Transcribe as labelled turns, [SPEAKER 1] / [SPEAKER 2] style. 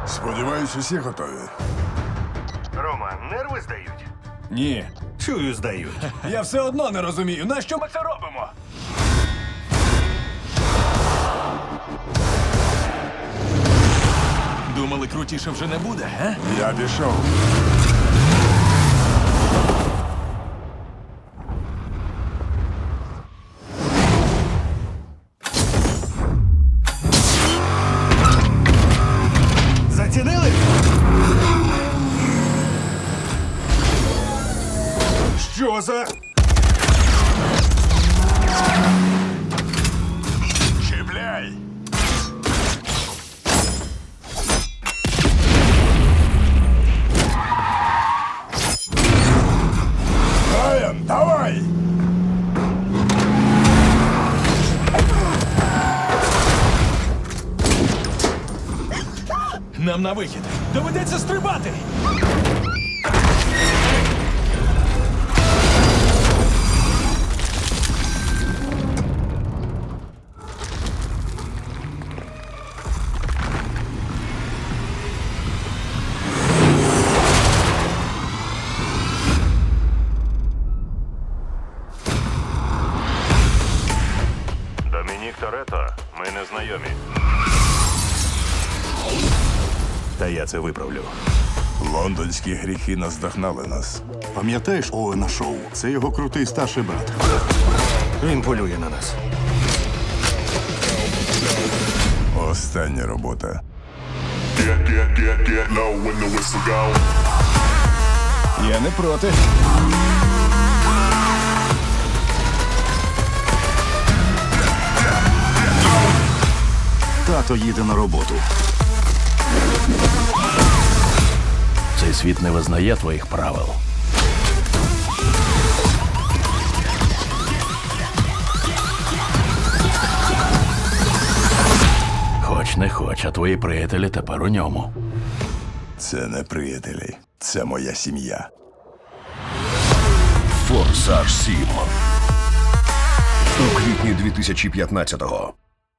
[SPEAKER 1] Сподіваюсь, усі готові.
[SPEAKER 2] Рома, нерви здають?
[SPEAKER 3] Ні.
[SPEAKER 2] Чую, здають.
[SPEAKER 3] Я все одно не розумію, на що ми це робимо? Думали, крутіше вже не буде, га?
[SPEAKER 1] Я пішов.
[SPEAKER 2] Зацінили?
[SPEAKER 1] Що за... Чіпляй! Райан, давай!
[SPEAKER 3] Нам на вихід. Доведеться стрибати.
[SPEAKER 2] Домінік Торетто, ми не знайомі. Та я це виправлю.
[SPEAKER 1] Лондонські гріхи наздогнали нас.
[SPEAKER 4] Пам'ятаєш Оуена Шоу? Це його крутий старший брат.
[SPEAKER 2] Він полює на нас.
[SPEAKER 1] Остання робота.
[SPEAKER 5] Get low when the whistle go.
[SPEAKER 3] Я не проти.
[SPEAKER 4] Тато їде на роботу.
[SPEAKER 6] Цей світ не визнає твоїх правил. Хоч не хоч, а твої приятелі тепер у ньому.
[SPEAKER 1] Це не приятелі. Це моя сім'я.
[SPEAKER 7] Форсаж 7. У квітні 2015-го.